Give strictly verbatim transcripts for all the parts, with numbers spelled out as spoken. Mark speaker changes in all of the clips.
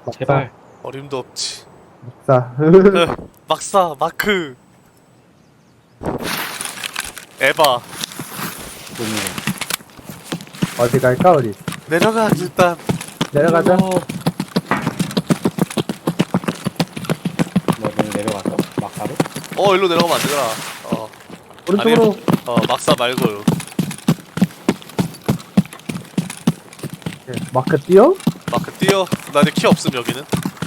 Speaker 1: 제발.
Speaker 2: 어림도 없지.
Speaker 3: 싸.
Speaker 2: 막사 마크 에바.
Speaker 1: 너무
Speaker 3: 어디 갈까, 우리?
Speaker 2: 내려가 일단.
Speaker 3: 내려가자.
Speaker 1: 뭐 너는 내려갔어? 막바로?
Speaker 2: 어 일로 내려가면 안 되잖아. 어
Speaker 3: 오른쪽으로.
Speaker 2: 어 막사 말고요.
Speaker 3: 예, 마크 뛰어?
Speaker 2: 마크 뛰어. 나 이제 키 없음 여기는.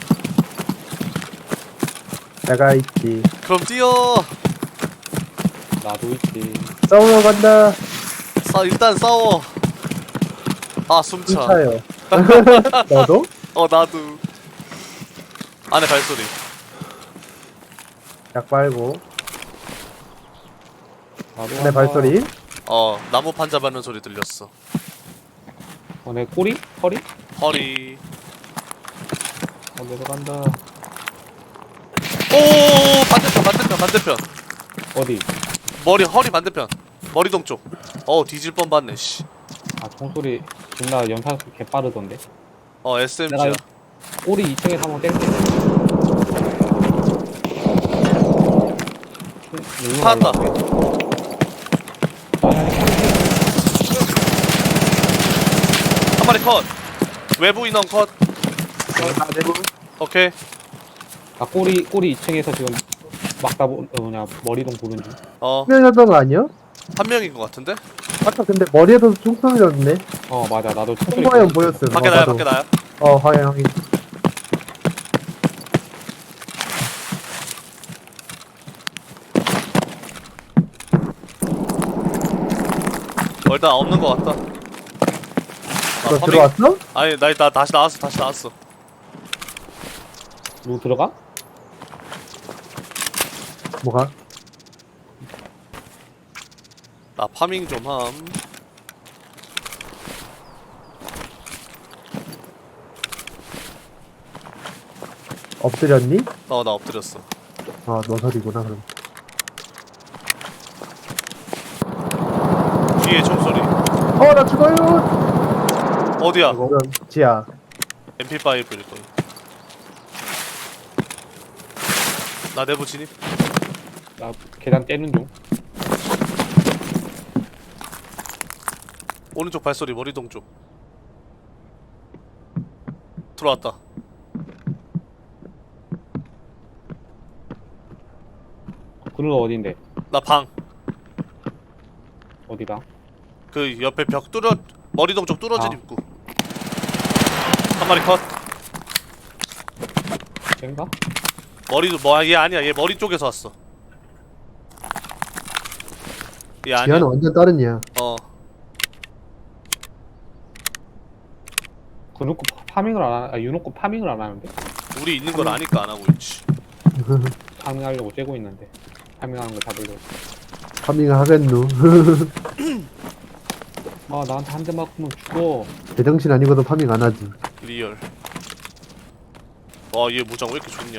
Speaker 3: 내가 있지.
Speaker 2: 그럼 뛰어.
Speaker 1: 나도 있지.
Speaker 3: 싸우러 간다.
Speaker 2: 싸 일단 싸워. 아 숨차.
Speaker 3: 차요. 너도?
Speaker 2: 어 나도. 안에 발소리.
Speaker 3: 약 빨고.
Speaker 1: 나도
Speaker 3: 내
Speaker 1: 간다.
Speaker 3: 발소리.
Speaker 2: 어 나무 판자 밟는 소리 들렸어.
Speaker 1: 어, 내 꼬리? 허리?
Speaker 2: 허리.
Speaker 1: 어, 내려간다.
Speaker 2: 오 반대편 반대편 반대편.
Speaker 1: 어디?
Speaker 2: 머리 허리 반대편. 머리동 쪽. 어 뒤질 뻔 봤네 씨.
Speaker 1: 아, 총소리 존나 연산 개 빠르던데.
Speaker 2: 어 에스엠지야.
Speaker 1: 내가 꼬리 이 층에서 한번 때릴게.
Speaker 2: 파한다. 한 마리 컷. 외부 인원 컷.
Speaker 3: 아, 내부.
Speaker 2: 오케이.
Speaker 1: 아, 꼬리, 꼬리 이 층에서 지금 막다 보, 어, 뭐냐, 머리동 보는 중.
Speaker 2: 어,
Speaker 3: 명이었던 거 아니야?
Speaker 2: 한 명인 것 같은데?
Speaker 3: 아까 근데 머리에도 총소리 났네.
Speaker 1: 어, 맞아. 나도 총소리.
Speaker 3: 총과연 보였음.
Speaker 2: 밖에
Speaker 3: 어,
Speaker 2: 나야,
Speaker 3: 나도.
Speaker 2: 밖에 나야.
Speaker 3: 어, 확인, 확인.
Speaker 2: 어, 일단 없는 것 같다.
Speaker 3: 너
Speaker 2: 아, 파밍-
Speaker 3: 들어왔어?
Speaker 2: 아니, 나, 나 다시 나왔어, 다시 나왔어.
Speaker 1: 누구 들어가?
Speaker 3: 뭐가?
Speaker 2: 나 파밍 좀 함.
Speaker 3: 엎드렸니?
Speaker 2: 어, 나 엎드렸어.
Speaker 3: 아, 너 소리구나, 그럼.
Speaker 2: 뒤에 총소리.
Speaker 3: 어, 나 죽어요!
Speaker 2: 어디야?
Speaker 3: 이건 지야.
Speaker 2: 엠피파이브일 거야. 나 내부 진입.
Speaker 1: 나 계단 떼는 중.
Speaker 2: 오른쪽 발소리, 머리동 쪽. 들어왔다.
Speaker 1: 그는 어딘데?
Speaker 2: 나 방.
Speaker 1: 어디다?
Speaker 2: 그 옆에 벽 뚫어, 머리동 쪽 뚫어진
Speaker 1: 아.
Speaker 2: 입구. 한 마리 컷.
Speaker 1: 쟤인가?
Speaker 2: 머리도 뭐, 얘 아니야. 얘 머리 쪽에서 왔어. 얘 아니야.
Speaker 3: 지야는 완전 다른 이야.
Speaker 2: 어.
Speaker 1: 그놓고 파밍을 안 하, 아, 유놓고 파밍을 안 하는데?
Speaker 2: 우리 있는 걸 아니까 안 하고 있지.
Speaker 1: 파밍하려고 째고 있는데. 파밍하는 거 잡으려고.
Speaker 3: 파밍을 하겠누.
Speaker 1: 아, 나한테 한 대 맞으면 죽어.
Speaker 3: 제정신 아니고도 파밍 안 하지.
Speaker 2: 리얼. 와, 얘 무장 왜 이렇게 좋냐?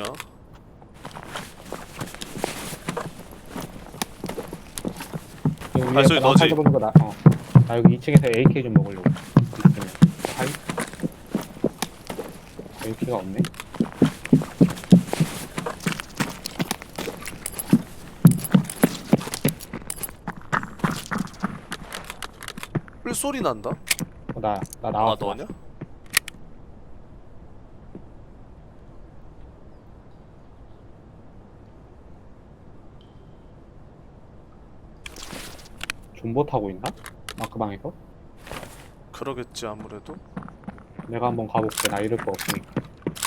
Speaker 1: 지금 위에
Speaker 2: 발소리
Speaker 1: 나
Speaker 2: 너지?
Speaker 1: 팔 보는 거 나, 어. 나 여기 이 층에서 에이케이 좀 먹으려고. 이 층에. 팔? 에이케이가 없네?
Speaker 2: 왜 소리 난다?
Speaker 1: 어, 나, 나
Speaker 2: 아,
Speaker 1: 나왔어.
Speaker 2: 너냐?
Speaker 1: 존버 타고 있나? 마크방에서?
Speaker 2: 그러겠지 아무래도.
Speaker 1: 내가 한번 가볼게. 나 이럴 거 없으니까.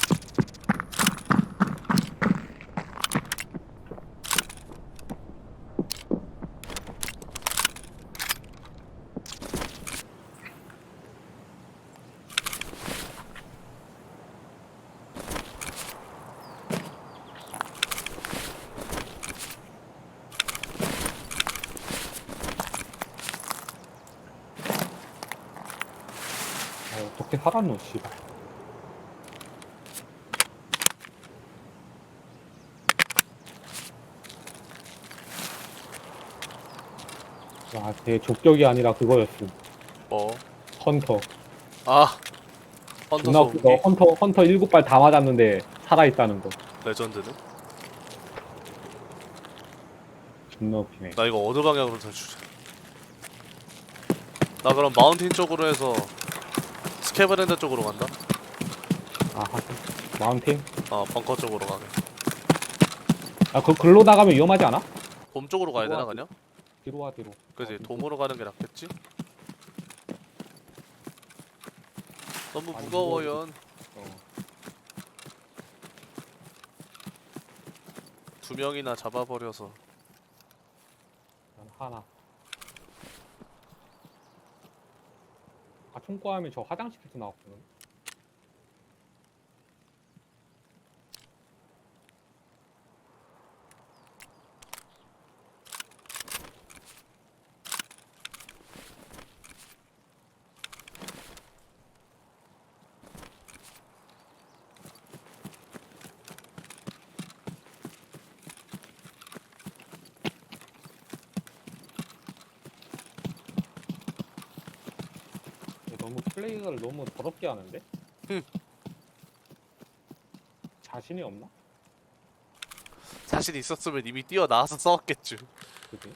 Speaker 1: 아, 어떻게 살았노, 씨발. 와, 되게 족격이 아니라 그거였음.
Speaker 2: 뭐?
Speaker 1: 헌터.
Speaker 2: 아, 헌터
Speaker 1: 존나 웃기다.
Speaker 2: 소음기
Speaker 1: 헌터 헌터 일곱 발 다 맞았는데 살아있다는 거.
Speaker 2: 레전드네.
Speaker 1: 존나 웃기네.
Speaker 2: 나 이거 어느 방향으로 탈출해? 나 그럼 마운틴 쪽으로 해서 스캐브랜드 쪽으로 간다.
Speaker 1: 아 하긴. 마운틴?
Speaker 2: 어 벙커 쪽으로 가게.
Speaker 1: 아 그 글로 나가면 위험하지 않아?
Speaker 2: 돔 쪽으로 가야 되나
Speaker 1: 우와.
Speaker 2: 그냥?
Speaker 1: 뒤로 와 뒤로.
Speaker 2: 그지
Speaker 1: 어,
Speaker 2: 돔으로 가는 게 낫겠지? 너무
Speaker 1: 많이
Speaker 2: 무거워요.
Speaker 1: 어.
Speaker 2: 두 명이나 잡아버려서.
Speaker 1: 난 하나. 아 총구하면 저 화장실에서 나왔거든. 너무 플레이를 너무 더럽게 하는데?
Speaker 2: 응.
Speaker 1: 자신이 없나?
Speaker 2: 자신 있었으면 이미 뛰어나와서 싸웠겠죠.
Speaker 1: 그지?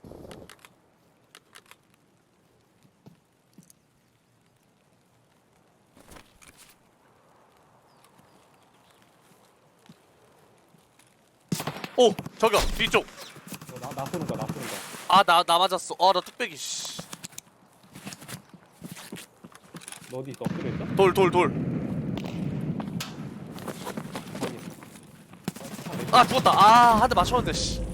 Speaker 2: 오! 저기요! 뒤쪽!
Speaker 1: 어, 나, 나 쏘는 거야, 나 쏘는 거야.
Speaker 2: 아 나 나 맞았어. 아 나 뚝배기 씨.
Speaker 1: 너 어디 있어? 엎드려 있어?
Speaker 2: 돌 돌 돌.
Speaker 1: 어디?
Speaker 2: 아 죽었다. 아 한 대 맞췄는데 씨.